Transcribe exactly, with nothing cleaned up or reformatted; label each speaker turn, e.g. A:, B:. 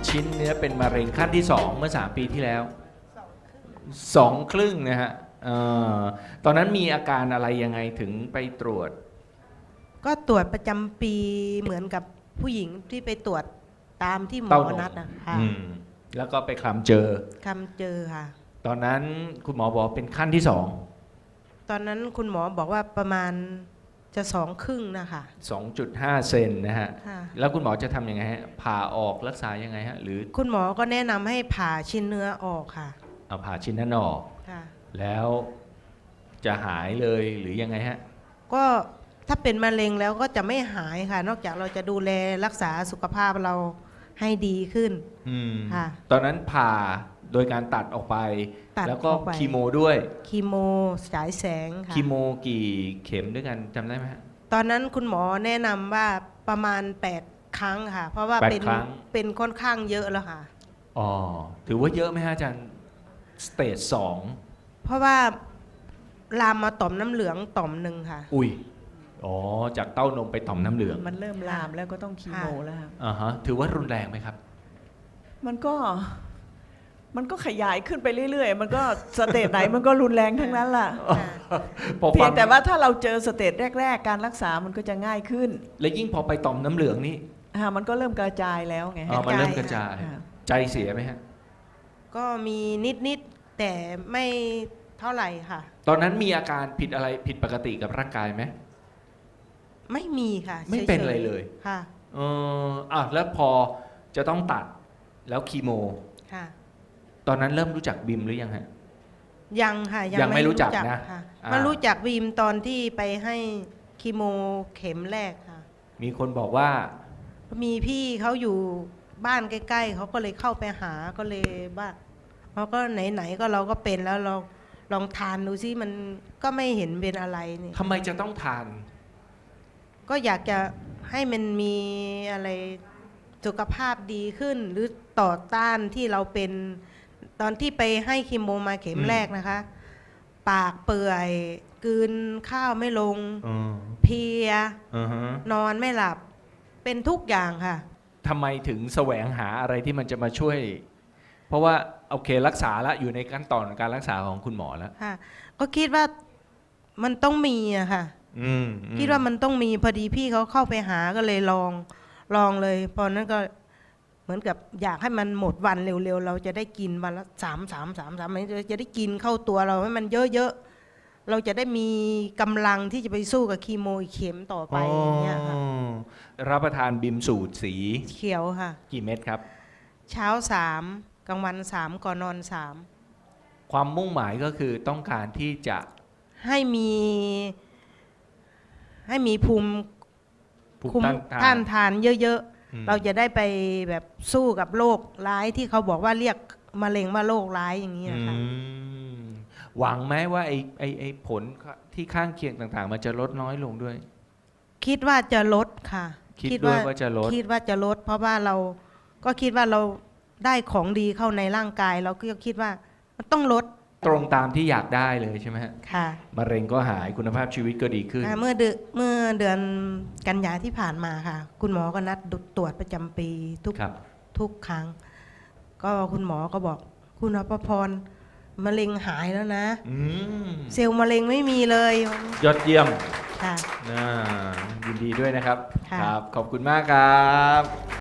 A: ชิ้นเนื้อเป็นมะเร็งขั้นที่สองเมื่อสามปีที่แล้วสองครึ่งนะฮะเอ่อตอนนั้นมีอาการอะไรยังไงถึงไปตรวจ
B: ก็ตรวจประจำปีเหมือนกับผู้หญิงที่ไปตรวจตามที่หมอ
A: เต้านม
B: นัดนะค่ะ
A: อืมแล้วก็ไปคลำเจอ
B: คำเจอค่ะ
A: ตอนนั้นคุณหมอบอกเป็นขั้นที่สอง
B: ตอนนั้นคุณหมอบอกว่าประมาณจะสองครึ่งนะคะ
A: สองจุดห้าเซนนะฮะ
B: ค่ะ
A: แล้วคุณหมอจะทำยังไงฮะผ่าออกรักษายังไงฮะหรือ
B: คุณหมอก็แนะนำให้ผ่าชิ้นเนื้อออกค่ะ
A: เอาผ่าชิ้นนั้นออก
B: ค่ะ
A: แล้วจะหายเลยหรือยังไงฮะ
B: ก็ถ้าเป็นมะเร็งแล้วก็จะไม่หายค่ะ นอกจากเราจะดูแลรักษาสุขภาพเราให้ดีขึ้น
A: อืม
B: ค่ะ
A: ตอนนั้นผ่าโดยการตัดออกไป
B: ตัด
A: แล้วก็
B: ออกไป
A: คีโมด้วย
B: คีโมฉายแสงค่ะ
A: คีโมกี่เข็มด้วยกันจำได้ไหมฮะ
B: ตอนนั้นคุณหมอแนะนำว่าประมาณแปดครั้งค่ะ เพราะว่า
A: แปด
B: เป็น
A: ครั้ง
B: เป็นค่อนข้างเยอะแล้วค่ะ
A: อ๋อถือว่าเยอะไหมฮะอาจารย์สเตจสอง
B: เพราะว่าลามมาต่อมน้ำเหลืองต่อมหนึ่งค่ะ
A: อุ้ยอ๋อจากเต้านมไปต่อมน้ำเหลือง
C: มันเริ่มลามแล้วก็ต้องคีโมแล้วครับ
A: อ่าฮะถือว่ารุนแรงไหมครับ
C: มันก็มันก็ขยายขึ้นไปเรื่อยๆ มันก็สเตจไหนมันก็รุนแรงทั้งนั้นล่ะ
A: พอ
C: เพี
A: ฟั
C: ยงแต่ว่าถ้าเราเจอสเตจแรก ๆ การรักษามันก็จะง่ายขึ้น
A: และยิ่งพอไปต่อมน้ำเหลืองนี่
C: อ่ามันก็เริ่มกระจายแล้วไง
A: อ๋อมันเริ่มกระจาย
C: ค่ะ
A: ใจเสียไหมฮะ
B: ก็มีนิด ๆ แต่ไม่เท่าไหร่ค่ะ
A: ตอนนั้นมีอาการผิดอะไรผิดปกติกับร่างกายไหม
B: ไม่มีค่ะ
A: ไม่เป็น
B: ฉๆ
A: อะไรเลย
B: ค่ะ
A: เอออ่ะแล้วพอจะต้องตัดแล้วคีโม
B: ค่ะ
A: ตอนนั้นเริ่มรู้จักบิมหรือยังฮะ
B: ยังค่ะ
A: ยังไม่รู้จักนะ
B: ค่ะ
A: อ่า
B: มารู้จักวีมตอนที่ไปให้คีโมเข็มแรกค่ะ
A: มีคนบอกว่า
B: มีพี่เขาอยู่บ้านใกล้ๆเขาก็เลยเข้าไปหาก็เลยว่าเขาก็ไหนๆก็เราก็เป็นแล้วเราลองทานดูซิมันก็ไม่เห็นเป็นอะไรนี่
A: ทำไมจะต้องทาน
B: ก็อยากจะให้มันมีอะไรสุขภาพดีขึ้น หรือต่อต้านที่เราเป็นตอนที่ไปให้คีโมมาเข็ม
A: อืม
B: แรกนะคะ ปากเปื่อยกลืนข้าวไม่ลง
A: อืม
B: เพลีย
A: อือฮะ
B: นอนไม่หลับเป็นทุกอย่างค่ะ
A: ทำไมถึงแสวงหาอะไรที่มันจะมาช่วย เพราะว่าโอเครักษาแล้วอยู่ในขั้นตอนการรักษาของคุณหมอแล้ว
B: ค่ะ ก็คิดว่ามันต้องมีอะค่ะ
A: อืมอื
B: คิดว่ามันต้องมีพอดีพี่เขาเข้าไปหาก็เลยลองลองเลยพอนั้นก็เหมือนกับอยากให้มันหมดวันเร็วๆเราจะได้กินวันละสามสามสามสามจะได้กินเข้าตัวเราให้มันเยอะๆเราจะได้มีกำลังที่จะไปสู้กับคีโมอีกเข็มต่อไปอย่างเงี้ยค่ะ
A: อ๋อรับประทานบิมสูตรสี
B: เขียวค่ะ
A: กี่เม็ดครับ
B: เช้าสามกลางวันสามก่อนนอนสาม
A: ความมุ่งหมายก็คือต้องการที่จะ
B: ให้มีให้มีภูมิ
A: ภูมิ
B: คุ้ม
A: ต้านทาน
B: ต้านทานเยอะ
A: อืม
B: ๆ เราจะได้ไปแบบสู้กับโรคร้ายที่เขาบอกว่าเรียกมะเร็งว่าโรคร้ายอย่างนี้นะคะ
A: อืมหวังไหมว่าไอ้ไอ้ไอ้ผลที่ข้างเคียงต่างๆ มันจะลดน้อยลงด้วย
B: คิดว่าจะลดค่ะ
A: คิดด้วยว่าจะลด
B: คิดว่าจะลด เพราะว่าเราก็คิดว่าเราได้ของดีเข้าในร่างกาย เราก็คิดว่ามันต้องลด
A: ตรงตามที่อยากได้เลยใช่ไหมฮะ
B: ค่ะ
A: มะเร็งก็หายคุณภาพชีวิตก็ดีขึ้น
B: อ่าเมื่อเดือนเมื่อเดือนกันยาที่ผ่านมาค่ะ คุณหมอก็นัดตรวจประจำปีทุก
A: ครับ
B: ทุกครั้ง ก็คุณหมอก็บอกคุณอภพรมะเร็งหายแล้วนะ
A: อืม
B: เซลล์มะเร็งไม่มีเลย
A: ยอดเยี่ยม
B: ค่ะ
A: น่ายินดีด้วยนะครับ
B: ค่ะ
A: ครับ ขอบคุณมากครับ